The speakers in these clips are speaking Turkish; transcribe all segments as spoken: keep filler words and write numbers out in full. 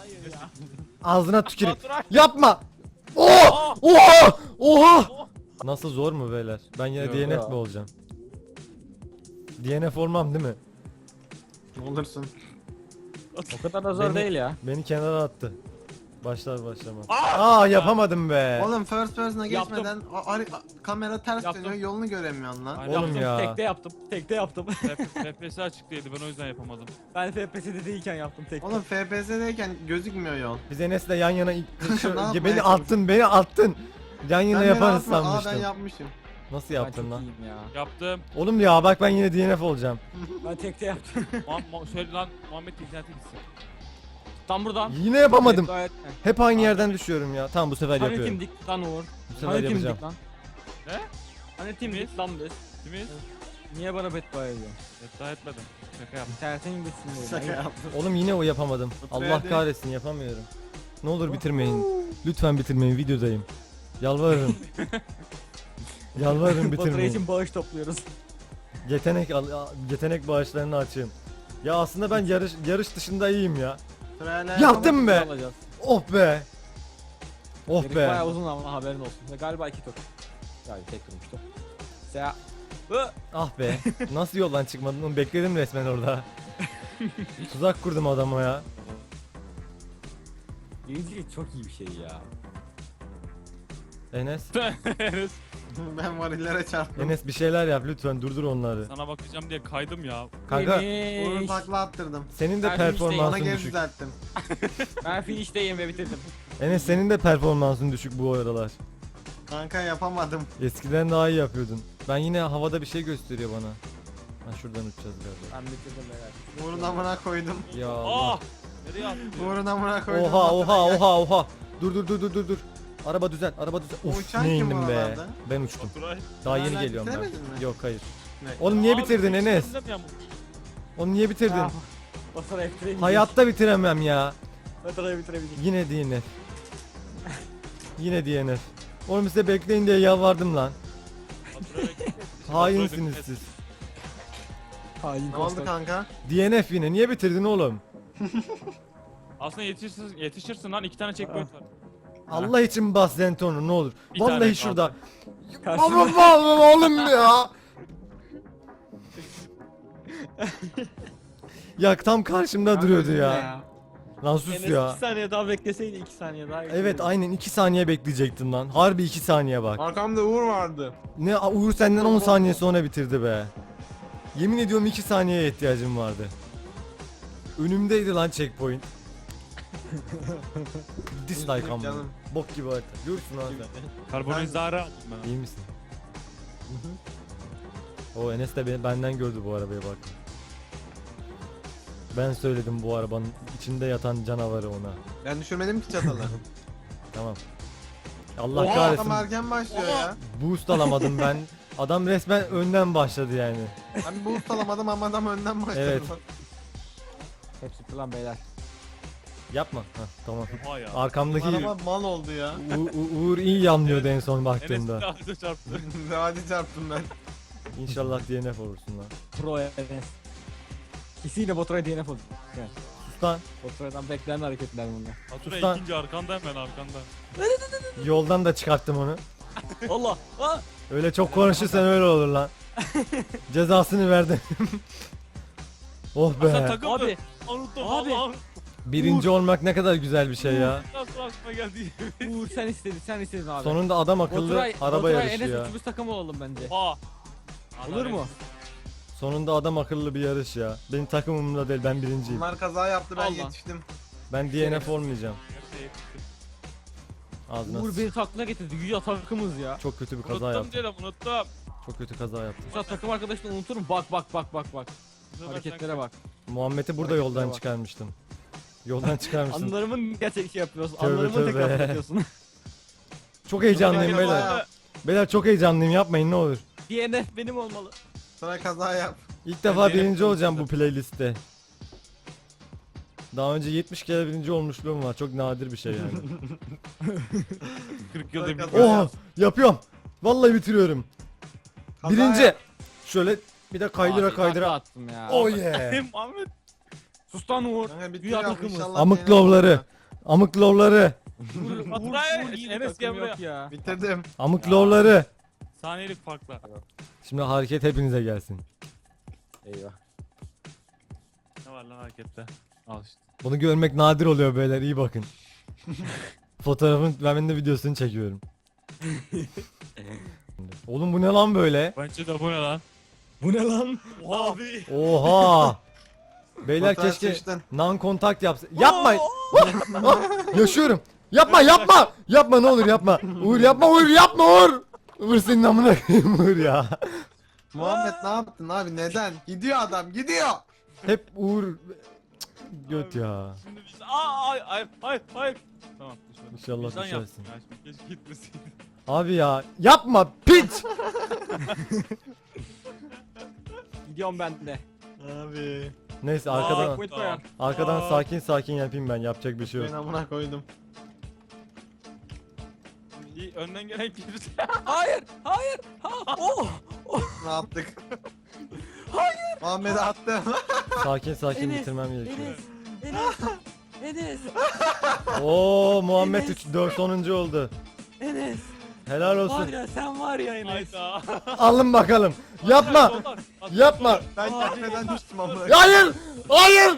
Hayır ya. Ağzına tüküreyim. Baturay. Yapma. Oh! Oha! Oha! Nasıl, zor mu beyler? Ben yine Yok D N F ya. mi olacağım? D N F olmam değil mi? Olursun. O kadar da zor Beni- değil ya. Beni kenara attı. Başlar başlamaz. Aa! Aa, yapamadım be. Oğlum first person'a Yaptım. geçmeden a- ar- a- kamera ters Yaptım. dönüyor, yolunu göremiyorsun lan. Aynen. Oğlum Yaptım, ya. Tekte yaptım. Tekte yaptım. F P S açıktaydı ben o yüzden yapamadım. Ben F P S'de değilken yaptım tekte. Oğlum F P S'deyken gözükmüyor yol. Biz Enes'le yan yana Ne yapmaya beni attın, beni attın. Yan yana Sen beni yaparız atma, aa ben sanmıştım. yapmışım. Nasıl Ben yaptın çok lan? iyiyim ya. Yaptım. Oğlum ya bak, ben yine D N F olacağım. Ben tekte yaptım. Muha- Muha- söyle lan Muhammed internete gitsin. Tam buradan. Yine yapamadım. Evet, Hep aynı yerden düşüyorum ya. Tamam, bu sefer Hani yapıyorum. timdik lan Uğur? Bu sefer Hani yapacağım. timdik lan? Ne? Hani timdik lan biz? Kimiz? Niye bana beddua ediyorsun? Hatta etmedim. Şaka yaptım. İnternetin gitsin diye. Şaka yaptım. Oğlum yine o yapamadım. Otur Allah hadi. kahretsin, yapamıyorum. Ne olur bitirmeyin. Lütfen bitirmeyin, videodayım. Yalvarırım. Yalvarırım, Batıra bitirmeyin. için bağış topluyoruz. Yetenek al- yetenek bağışlarını açayım. Ya aslında ben yarış yarış dışında iyiyim ya. Sırayla Yaptım be. Alacağız. Oh be. Oh Gerek be. bayağı uzun ama haberin olsun. Ve galiba iki tur. Yani tek turmuştu. Seha. Hı. Ah be. Nasıl yoldan çıkmadın? Onu bekledim resmen orada. Tuzak kurdum adama ya. Birincilik çok iyi bir şey ya. Enes. Enes, Ben varillere çarptım. Enes bir şeyler yap lütfen, durdur onları. sana bakacağım diye kaydım ya. Kanka, Uğur'un Finish. takla attırdım. senin de Ben Ona performansın geri düşük. düzelttim. Ben finishteyim ve bitirdim. Enes, senin de performansın düşük bu aralar. Kanka yapamadım. Eskiden daha iyi yapıyordun. Ben yine havada bir şey gösteriyor bana. Ha, şuradan uçacağız galiba. Ben bitirdim beyler. Uğur'un amına koydum. Ya Allah. Ah! Nereye attın? Uğur'un amına koydum. Oha oha Batıra gel. oha oha. Dur dur dur dur dur dur. Araba düzel, araba düzel. O Uf, uçan ne kim indim be. oralarda? Ben uçtum. Baturay. Daha Hala yeni geliyorum ben. bitiremedin mi? Yok, hayır. Ne? Oğlum niye Abi, bitirdin peki Enes? sen de mi ya? Onu niye bitirdin? Ah, Batıra bitiremeyecek. Hayatta bitiremem ya. Batıra'yı bitiremeyecek. Yine D N F. Yine D N F. Oğlum size bekleyin diye yalvardım lan. Baturay bekle. Hainsiniz siz. Hain Ne oldu kanka? D N F yine. Niye bitirdin oğlum? Aslında yetişirsin, yetişirsin lan iki tane checkpoint var. Allah için bas Zenton'u ne olur. Bir tane Vallahi şurada. Karşımda- Oğlum oğlum oğlum ya. Ya tam karşımda duruyordu ya. Lan sus Enes ya. iki saniye daha bekleseydi iki saniye daha. Evet, aynen iki saniye bekleyecektim lan. Harbi iki saniye bak. Arkamda Uğur vardı. Ne, Uğur senden on saniye sonra bitirdi be. Yemin ediyorum iki saniyeye ihtiyacım vardı. Önümdeydi lan checkpoint. Dislike ama. Canım. Bok gibi harita. Görürsün lan sen. Karbonizare aldım ben. İyi misin? O Enes de be- benden gördü bu arabaya bak. Ben söyledim bu arabanın içinde yatan canavarı ona. Ben düşürmedim ki çatalı. Tamam. Allah Oha, kahretsin. adam erken başlıyor ya. Boost alamadım ben. Adam resmen önden başladı yani. Ben boost alamadım ama adam önden başladı. Evet. Hepsi lan beyler. Yapma. Hah, tamam. Oha ya. Arkamdaki Araba mal oldu ya. U- U- Uğur iyi yanlıyordu en son Enes baktığımda. de ağaca çarptı. Hadi çarptım ben. İnşallah D N F olursun lan. Pro Enes. Kesinlikle Batıra D N F oldu. Yani Sus lan. Batura'dan beklenen hareketler bunlar. Baturay Usta. ikinci arkanda hemen arkanda. Yoldan da çıkarttım onu. Allah! Ah! Öyle çok konuşursan öyle olur lan. Cezasını verdim. oh Sen be. takıldın. Abi! Unuttum Abi. Allah'ım. Birinci olmak ne kadar güzel bir şey ya. Nasıl aklıma geldi? Uğur sen istedin, sen istedin abi. Sonunda adam akıllı Baturay, araba Baturay yarışı Enes ya. üçümüz takım olalım bence. Oha. Olur mu? Sonunda adam akıllı bir yarış ya. Benim takımımda değil, ben birinciyim. Bunlar kaza yaptı ben Allah. yetiştim. Ben D N F olmayacağım. Ağzına Uğur sıç. beni taklına getirdi. Güya takımız ya. Çok kötü bir kaza Unuttum yaptım. diyelim unuttum. Çok kötü kaza yaptım. Şu takım arkadaşını unuturum. Bak bak bak bak bak. Bu sefer Hareketlere sen- bak. Muhammed'i burada Hareketlere yoldan bak. çıkarmıştım. Yoldan çıkarmıştım. Anılarımın gerçek şey yapıyorsun. Tövbe Anılarımı tövbe. tekrar yapıyorsun. Çok heyecanlıyım Kaza beyler. yap. Beyler çok heyecanlıyım, yapmayın ne olur. D N F benim olmalı. Sonra kaza yap. İlk defa D N F birinci olacağım bu konusunda. playlistte. Daha önce yetmiş kere birinci olmuşluğum var. Çok nadir bir şey yani. kırk yılda bir. Kaza Oh, yap. yapıyorum. Vallahi bitiriyorum. Kaza Birinci. yap. Şöyle bir de kaydıra Abi, kaydıra. takla attım ya. Oh yeah. Muhammed. Sus lan Uğur. Kanka bitti Güya ya, takımız. inşallah Amık D N F lovları. olur. Amık lorları. Vur, Baturay, vur, vur, Enes takım gel buraya. yok ya. Bitirdim. Amık Ya. lorları. Saniyelik farkla. Şimdi hareket hepinize gelsin. Eyvah. Ne var lan harekette? Al işte. Bunu görmek nadir oluyor beyler, iyi bakın. Fotoğrafın ben de videosunu çekiyorum. Oğlum bu ne lan böyle? Bence de bu ne lan? Bu ne lan? Abi. Oha! Beyler Fotoğraf keşke seçtin. non kontakt yapsa. Yapma! Ah, yaşıyorum. Yapma yapma! Yapma ne olur yapma. Uğur yapma Uğur yapma Uğur! Uğur senin amına koyayım Uğur ya. Muhammed ne yaptın abi neden? Gidiyor adam gidiyor. Hep Uğur göt ya. Şimdi biz... Aa, ay, ay, hayır, hayır. Tamam. düşmedim. İnşallah Vicdan düşersin. yaptım ya, şimdi keşke gitmeseydin. Abi ya yapma piç! Gidiyorum ben de. Abi. Neyse Aa, arkadan Point koyan. arkadan Aa. sakin sakin yapayım ben, yapacak bir şey yok. Ben amına koydum. İyi, önden gelen girdi. Hayır. Hayır. Ha. Oh. Ne yaptık? Hayır. Muhammed'i attım. Sakin sakin Enes, bitirmem gerekiyor. Enes. Enes. Enes. Oo Muhammed Enes. üç dört sonuncu oldu. Enes. Helal Var olsun. ya sen var ya Enes. Hayda. Alın bakalım. Yapma. Soldan, soldan. Yapma. Ben Abi. kendimden düştüm amına. Hayır. Hayır.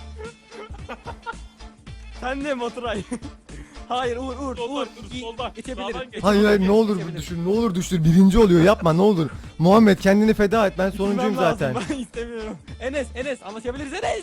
Sen de Baturay. Hayır Uğur Uğur Soldan, Uğur. dur, Gi- soldan. Geçebilirim. Sağdan geç. Hayır hayır ne olur Geçebilirim. düşür, ne olur düşür. Birinci oluyor. Yapma ne olur. Muhammed kendini feda et. Ben sonuncuyum Gitmem lazım, zaten. Ben istemiyorum. Enes Enes anlaşabiliriz Enes.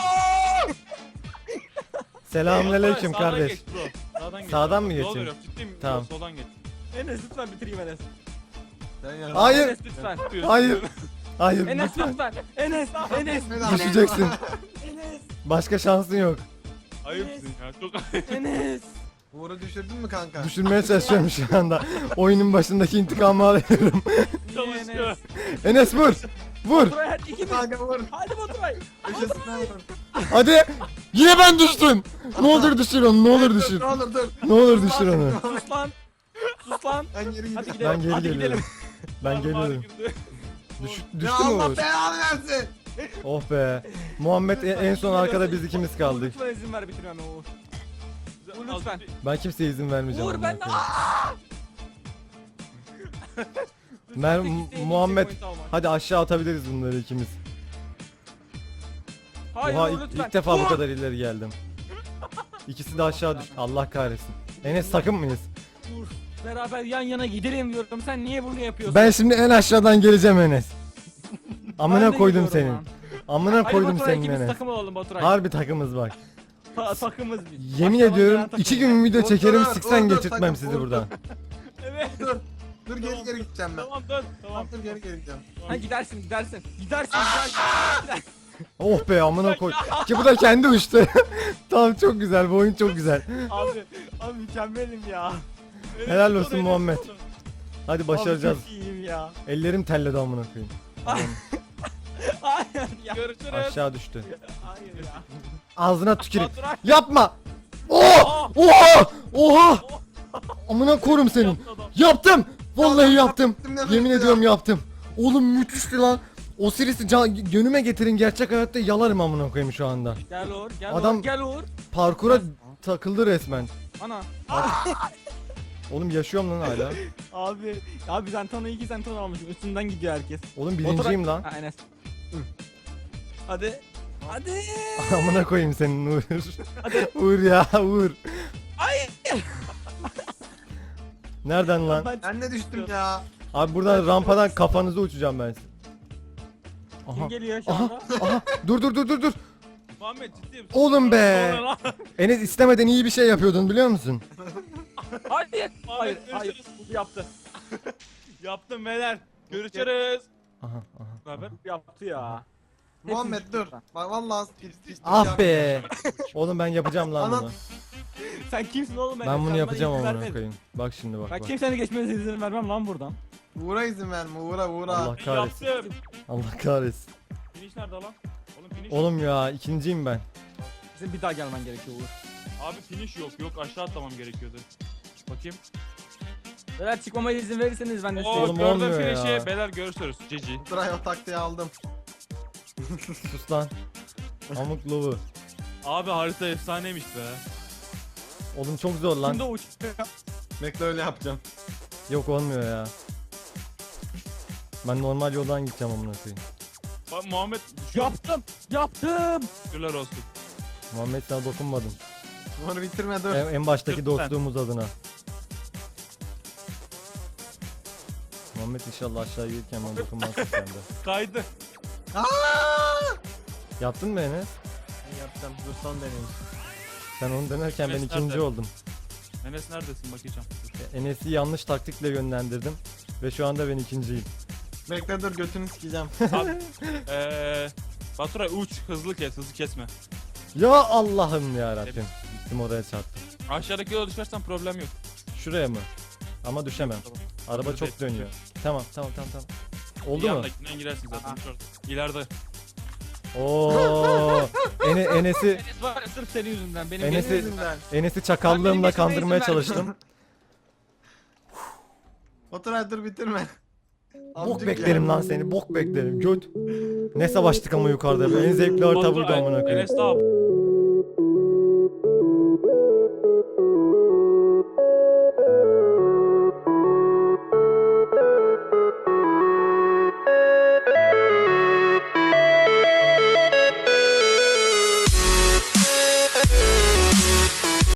Selamünaleyküm Sağdan kardeş. geç bro. Sağdan geç. Sağdan mı Yol geçeyim? veriyorum, ciddiyim. Tamam. Soldan geç. Enes lütfen bitireyim Enes. Ben ya. Hayır. Enes lütfen. Hayır. Hayır. Enes lütfen. lütfen. Enes Enes. Düşeceksin. Enes. Başka şansın yok. Ayıpsın ya. Çok ayıp. Enes. Uğur'u düşürdün mü kanka? Düşürmeye çalışıyorum şu anda. Oyunun başındaki intikamı alıyorum. Çalışıyor. Enes vur. Vur. Baturay hadi ikimiz. Kanka vur. Hadi Baturay. Köşesinden vur. Hadi. Yine ben düştüm. Ne olur düşür onu. Ne olur düşür. Ne olur dur. Ne olur düşür onu. Sus lan. Sus lan. Ben geri Hadi gidiyorum. gidelim. Ben geri hadi geliyorum. gidelim. Ben Ağrı ağrı geliyorum. girdi. Düş, Ya düştü mü Allah Uğur? belanı versin. Oh be. Muhammed en en son arkada biz ikimiz kaldık. Lütfen izin ver bitirmeme Uğur. Uğur, Az lütfen. bir- Ben kimseye izin vermeyeceğim. Uğur amına ben de. koyayım. Lütfen Mer tek isteğim Muhammed checkpoint almak. hadi aşağı atabiliriz bunları ikimiz. Hayır Oha Uğur ilk, lütfen. ilk defa bu Uğur! kadar ileri geldim. İkisi de aşağı düş. Allah kahretsin. Enes takım mıyız? Uğur. Beraber yan yana gidelim diyorum. Sen niye bunu yapıyorsun? Ben şimdi en aşağıdan geleceğim Enes. Ben Amına de koydum gidiyorum senin. lan. Amına Hadi koydum Baturay senin ikimiz Enes. takım olalım Baturay. Harbi takımız bak. Ta takımız biz. Yemin Başkaları ediyorum gelen takım. iki gün video Dur, çekerim dur, siksen dur, geçirtmem takım, sizi dur, buradan. Evet. Dur. Dur geri geri gideceğim ben. Tamam dön. Tamam. Tamam dur geri geri gideceğim. Ha gidersin gidersin. Gidersin gidersin. Oh be amına koy. Ki bu da kendi uçtu. Tamam çok güzel, bu oyun çok güzel. abi abi mükemmelim ya. Helal olsun Muhammed. Hadi başaracağız. Abi çok iyiyim ya. Ellerim telledi amına koyayım. Hayır ya. Görüşürüz. Aşağı düştü. Hayır ya. Ağzına tüküreyim. Baturay. Yapma. Oh! Oha! Oha! Amına korum senin. Yaptı adam. Yaptım. Vallahi yaptım. Yaptım, ne Yemin ya? ediyorum yaptım. Oğlum müthişti lan. O serisi can, gönüme getirin, gerçek hayatta yalarım amına koyayım şu anda. Gel Uğur gel Adam- Uğur gel Uğur. Parkura takıldı resmen. Ana. Oğlum yaşıyorum lan hala. Abi abi Zenton'u iki Zenton almışım. Üstünden gidiyor herkes. Oğlum birinciyim lan. Ha Enes. Hadi. Hadi. Amına koyayım senin Uğur. Uğur ya Uğur. Hayır. Nereden lan? Ben Ben de düştüm ya. Abi buradan rampadan kafanıza uçacağım ben size. Aha. kim geliyor şu Aha. anda? Aha. Dur dur dur dur dur. Muhammed ciddiyim. Oğlum be. Sonra lan. Enes istemeden iyi bir şey yapıyordun biliyor musun? Hayır. Hayır. Muhammed Hayır. görüşürüz. Bu yaptı. Yaptım beyler. Görüşürüz. Aha aha. Ne haber? Bu yaptı ya. Muhammed dur. Bak vallahi pis pis. Ah be. Oğlum ben yapacağım lan Ana- bunu. Sen kimsin oğlum? Ben Enes? bunu Sen bana yapacağım izin amına vermedin. koyayım. Bak şimdi bak Ben bak. kimsenin geçmesine izin vermem lan buradan. Uğur'a izin verme Uğur'a Uğur'a. Allah kahretsin. Yaptım. Allah kahretsin. Finish nerede lan? Oğlum finish. Oğlum ya ikinciyim ben. Bizim bir daha gelmen gerekiyor Uğur. Abi finish yok. Yok aşağı atlamam gerekiyordu. Bakayım. Beyler çıkmama izin verirseniz ben de size. Oo, Oğlum gördüm olmuyor finish'i. ya. Beyler görüşürüz. Cici. Baturay o taktiği aldım. Sus lan. Amık lovu. Abi harita efsaneymiş be. Oğlum çok zor lan. Şimdi uç. Bekle öyle yapacağım. Yok olmuyor ya. Ben normal yoldan gideceğim amına koyayım. Bak Muhammed şu Yaptım. Yaptım. şükürler olsun. Muhammed sana dokunmadım. Bunu bitirme dur. En, en baştaki Lütfen. dostluğumuz adına. Muhammed inşallah aşağı gelirken bana dokunmazsın sen de. Kaydı. Aa! Yaptın mı Enes? Ben yapacağım. Dur son deneyim. Sen onu denerken ben Enes ikinci nerede? oldum. Enes neredesin bakacağım. Enes'i yanlış taktikle yönlendirdim. Ve şu anda ben ikinciyim. Bekle dur götünü sikeceğim. Abi, eee Baturay uç hızlı kes hızlı kesme. Ya Allah'ım ya Rabbim. Gittim oraya çarptım. Aşağıdaki yola düşersen problem yok. Şuraya mı? Ama düşemem. Tamam. Araba Burada çok değil. dönüyor. Tamam tamam tamam tamam. Oldu Bir mu? yandakinden girersin zaten. Şurada. İleride. Oo. Ene, Enes'i Enes var ya sırf senin yüzünden. Benim Enes'i- Senin yüzünden. Enes'i Benim çakallığımla geçmeme kandırmaya izin çalıştım. Otur hadi dur bitirme. Bok Amcık beklerim ya. lan seni. Bok beklerim. Göt. Ne savaştık ama yukarıda. be. En zevkli harita burada Baturay, amına koyayım. Enes de abi.